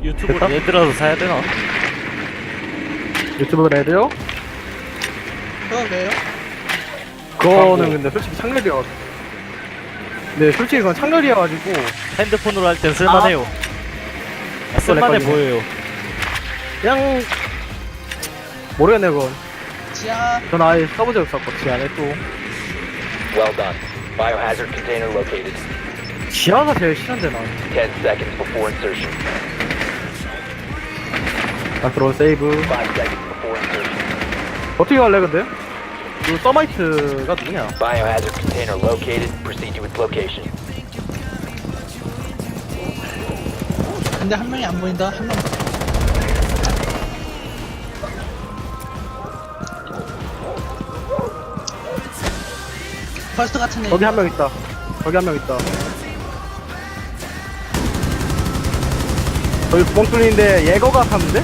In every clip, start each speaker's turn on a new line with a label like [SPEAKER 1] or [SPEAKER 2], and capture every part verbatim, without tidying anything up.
[SPEAKER 1] 유튜브로 얘들아서 사야 되나?
[SPEAKER 2] 유튜브 레드요?
[SPEAKER 3] 그건 왜요?
[SPEAKER 2] 그거는 근데 솔직히 창렬이어가지고. 네, 솔직히 그건 창렬이어가지고.
[SPEAKER 1] 핸드폰으로 할 땐 쓸만해요. 아, 쓸만해
[SPEAKER 2] 렉걸리네.
[SPEAKER 1] 보여요.
[SPEAKER 2] 그냥 모르겠네 그건.
[SPEAKER 3] 지하
[SPEAKER 2] 전 아예 써본 적 없었고 지하에 또
[SPEAKER 4] Well done. Biohazard container located.
[SPEAKER 2] 지하가 제일 싫은데 난.
[SPEAKER 4] Ten seconds before insertion.
[SPEAKER 2] 나 들어 세이브.
[SPEAKER 4] Five seconds before insertion.
[SPEAKER 2] 어떻게 갈래 근데? 그 서마이트가 누구냐?
[SPEAKER 4] Biohazard container located. Proceed to its location.
[SPEAKER 3] 근데 한 명이 안 보인다. 한 명. 벌스트 같은 애.
[SPEAKER 2] 거기 한 명 있다. 거기 한 명 있다. 저기 구멍 뚫리는데 예거가 탔는데?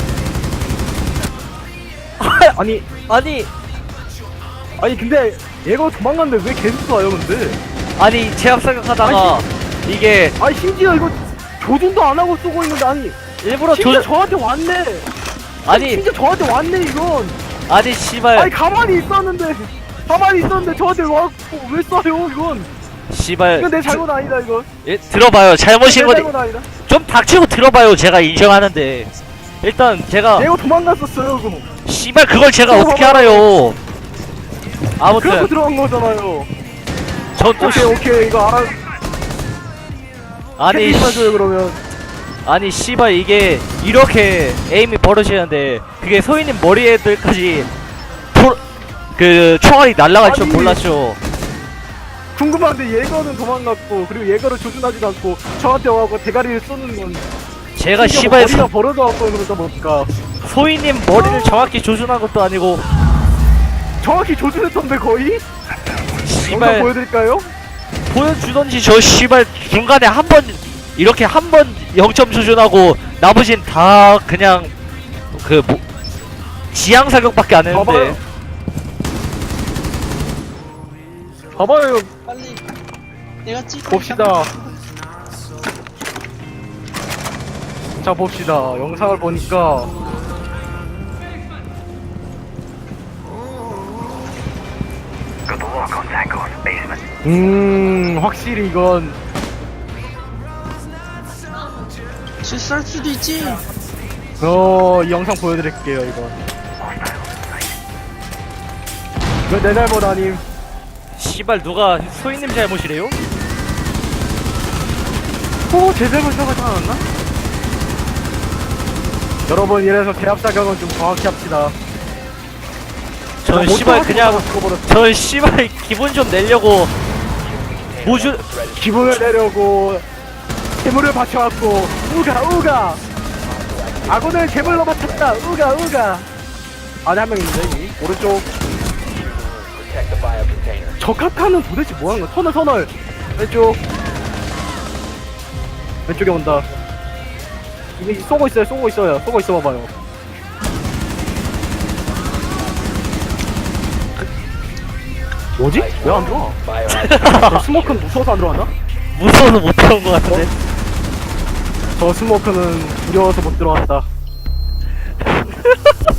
[SPEAKER 2] 아니
[SPEAKER 1] 아니,
[SPEAKER 2] 아니 근데 예거 도망갔는데 왜 계속 쏴요 근데?
[SPEAKER 1] 아니, 제압 사격하다가 이게
[SPEAKER 2] 아니 심지어 이거 조준도 안 하고 쏘고 있는데 아니
[SPEAKER 1] 일부러
[SPEAKER 2] 심지어
[SPEAKER 1] 조,
[SPEAKER 2] 저한테 왔네.
[SPEAKER 1] 아니,
[SPEAKER 2] 심지어 저한테 왔네 이건.
[SPEAKER 1] 아니, 씨발,
[SPEAKER 2] 아니 가만히 있었는데 가만히 있었는데 저한테 와왜 쏴요 이건?
[SPEAKER 1] 씨발.
[SPEAKER 2] 이건 내 잘못 아니다 이건.
[SPEAKER 1] 예, 들어봐요. 잘못인
[SPEAKER 2] 내
[SPEAKER 1] 거지.
[SPEAKER 2] 잘못 아니다.
[SPEAKER 1] 좀 닥치고 들어봐요. 제가 인정하는데. 일단 제가
[SPEAKER 2] 예거 도망갔었어요 그거.
[SPEAKER 1] 씨발 그걸 제가
[SPEAKER 2] 들어봐봐요.
[SPEAKER 1] 어떻게 알아요?
[SPEAKER 2] 그래서
[SPEAKER 1] 아무튼
[SPEAKER 2] 들어간 거잖아요.
[SPEAKER 1] 전또
[SPEAKER 2] 오케이 오케이 이거 알아.
[SPEAKER 1] 아니
[SPEAKER 2] 캐릭터
[SPEAKER 1] 씨-
[SPEAKER 2] 줘요 그러면.
[SPEAKER 1] 아니 씨발 이게 이렇게 에임이 벌어지는데 그게 소희님 머리에들까지 도, 그 총알이 날아갈 줄
[SPEAKER 2] 아니.
[SPEAKER 1] 몰랐죠.
[SPEAKER 2] 궁금한데 예거는 도망갔고 그리고 예거를 조준하지도 않고 저한테 와갖고 대가리를 쏘는 건
[SPEAKER 1] 제가
[SPEAKER 2] 심지어
[SPEAKER 1] 씨발
[SPEAKER 2] 머리가
[SPEAKER 1] 소,
[SPEAKER 2] 벌어져갖고 그러다 보니까
[SPEAKER 1] 소희님 머리를 정확히 조준한 것도 아니고
[SPEAKER 2] 정확히 조준했던데 거의? 영상
[SPEAKER 1] 씨발
[SPEAKER 2] 보여드릴까요?
[SPEAKER 1] 보여주던지 저 씨발 중간에 한 번 이렇게 한 번 영 점 조준하고 나머진 다 그냥 그 뭐 지향 사격밖에 안 했는데
[SPEAKER 2] 봐봐요. 봐봐요
[SPEAKER 3] 빨리. 내가 찍고.
[SPEAKER 2] 봅시다. 자 봅시다 영상을 보니까 음 확실히 이건
[SPEAKER 3] 실수할 수도 있지.
[SPEAKER 2] 어이 영상 보여드릴게요 이건 이거 내 잘못 아님.
[SPEAKER 1] 씨발 누가 소희님 잘못이래요?
[SPEAKER 2] 오제 잘못이라고 하지 않았나? 여러분 이래서 대합 사격은 좀 정확히 합시다.
[SPEAKER 1] 전
[SPEAKER 2] 못
[SPEAKER 1] 씨발
[SPEAKER 2] 참아서
[SPEAKER 1] 그냥
[SPEAKER 2] 죽어버렸어.
[SPEAKER 1] 전 씨발 기분 좀 내려고 모주
[SPEAKER 2] 기분을 내려고 괴물을 받쳐왔고 우가 우가 아군을 괴물로 받쳤다 우가 우가. 안에 한 명 있는데 이 오른쪽.
[SPEAKER 4] Protect the bio container.
[SPEAKER 2] 적합하는 도대체 뭐하는 거야? 선을 선을 왼쪽 왼쪽에 온다. 이게 쏘고 있어요 쏘고 있어요 쏘고 있어 봐봐요. 뭐지? 왜 안 들어와?
[SPEAKER 4] Biohazard.
[SPEAKER 2] 저 스모크는 무서워서 안 들어왔나?
[SPEAKER 1] 무서워서 못 들어온 것 같은데.
[SPEAKER 2] 저 스모크는 두려워서 못 들어왔다.